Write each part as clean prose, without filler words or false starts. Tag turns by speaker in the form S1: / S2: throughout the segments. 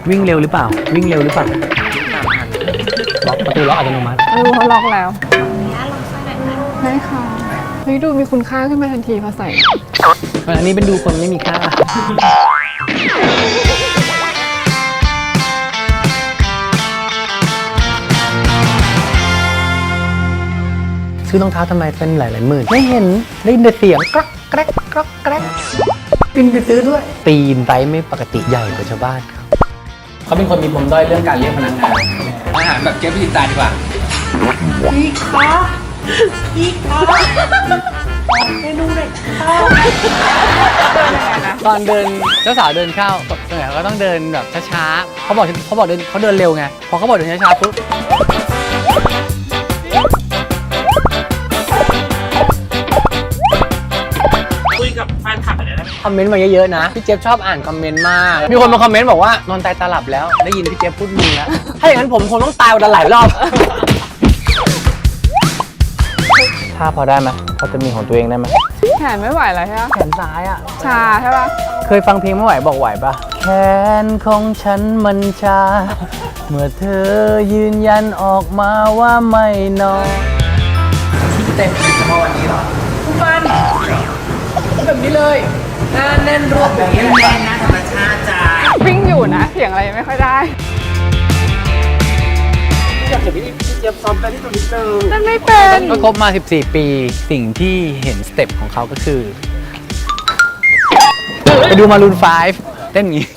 S1: วิ่งเร็วหรือเปล่าวิ่งเร็วหรือเปล่าล็อกประตูล็อกอัตโนมัติ
S2: เขาล็อกแล้วได้ค่ะเฮ้ยดูมีคุณค่าขึ้นมาทันทีพอใส่
S1: อันนี้เป็นดูคนไม่มีค่าซื้อรองเท้าทำไมเป็นหลายๆหมื่นไม่เห็นได้ยินแต่เสียงกรอกแกรกกรอกแกรกปินไปซื้อด้วยตีนไซส์ไม่ปกติใหญ่กว่าชาวบ้านเขาเป็นคนมีปมด้อยเรื่องการเรียกพนักงานอาหารแบบเจ๊พิจิตรดีกว่าพี่คะพี่คะเมนูเด็กข้าวตอนเดินเจ้าสาวเดินเข้าส่วนใหญ่ก็ต้องเดินแบบช้าๆเขาบอกเดินเขาเดินเร็วไงพอเขาบอกเดินช้าๆปุ๊บคอมเมนต์มาเยอะๆนะพี่เจี๊ยบชอบอ่านคอมเมนต์มากมีคนมาคอมเมนต์บอกว่านอนตายตาหลับแล้วได้ยินพี่เจี๊ยบพูดมึงแล้วถ้าอย่างนั้นผมคงต้องตายวันละหลายรอบถ้าพอได้ไหมพอจะมีของตัวเองได้ไหม
S2: แขนไม่ไหวแล้วใช่ไหม
S1: แขนซ้ายอ่ะ
S2: ชาใช่ปะ
S1: เคยฟังเพลงไม่ไหวบอกไหวปะแขนของฉันมันชาเมื่อเธอยืนยันออกมาว่าไม่นอนเต็มเฉพาะวันนี้หรอทุกวันแบบนี้เลยหน้าแน่นรวบแบบนี้แน่นนะธรรมชาติจ้า
S2: วิ่งอยู่นะเสียงอะไรไม่ค่อยได้
S1: อยากเห็นพี่เจี๊ยบซ้อมกันที่ตรงนี้เติม
S2: นั่นไม่เป็น
S1: ก็ครบมา14ปีสิ่งที่เห็นสเต็ปของเขาก็คือไปดูมารูน5เต้นอย่างนี้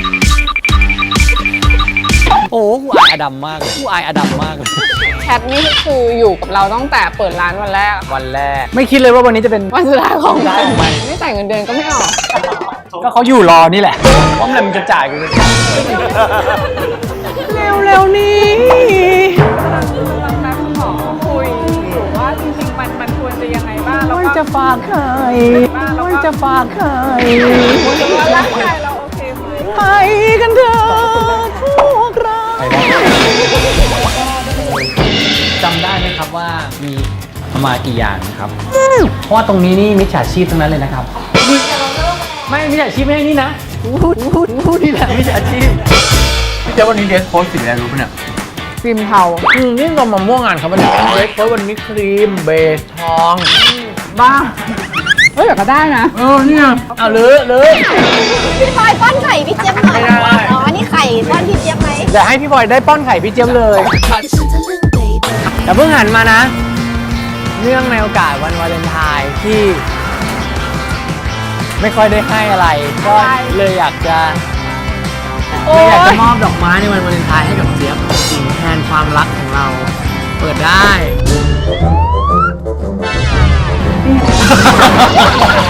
S1: โอ้กูอายอดัมมากเลยกูอายอดัมมากเลย
S2: แคทนี่คืออยู่กับเราตั้งแต่เปิดร้านวันแรก
S1: ไม่คิดเลยว่าวันนี้จะเป็น
S2: วันสุดท้ายของเราไม่จ่ายเงินเดือนก็ไม่ออก
S1: ก็เขาอยู่รอนี่แหละเพราะมันจะจ่ายกูเร็วนี่
S2: กำลังนัดขอคุยอยู่ว่าจริงๆมันควรจะยังไงบ้างแล้วก็
S1: จะฝากใครจะฝากใคร
S2: ว่าร่างกายเราโอเคไหม
S1: ไปกันเถอะพวกเราจำได้ไหมครับว่ามีประมาณกี่อย่างนะครับเพราะว่าตรงนี้นี่มิจฉาชีพทั้งนั้นเลยนะครับไม่มิจฉาชีพไม่ใช่นี่นะพูดนี่แหละมิจฉาชีพพี่เจ้าวันนี้เดสโค้ดสีอะไรรู้ปะเนี่ย
S2: ครีมเทา
S1: นี่เรามาม่วงงานครับวันนี้เดสโค้ดวันนี้ครีมเบสทอง
S2: บ้าเฮ้ยก็ได้นะ
S1: เนี่ยเอาเลย
S3: พี่พลอยป้อนไข่พี่เจี๊ยบหน่อยอ๋อนี่ไข่ป้อนพี่เจี๊ยบไหม
S1: เดี๋ยวให้พี่พลอยได้ป้อนไข่พี่เจี๊ยบเลยแต่เพิ่งหันมานะเนื่องในโอกาสวันวาเลนไทน์ที่ไม่ค่อยได้ให้อะไรก็เลยอยากจะมอบดอกไม้ในวันวาเลนไทน์ให้กับเจี๊ยบสิ่งแทนความรักของเราเปิดได้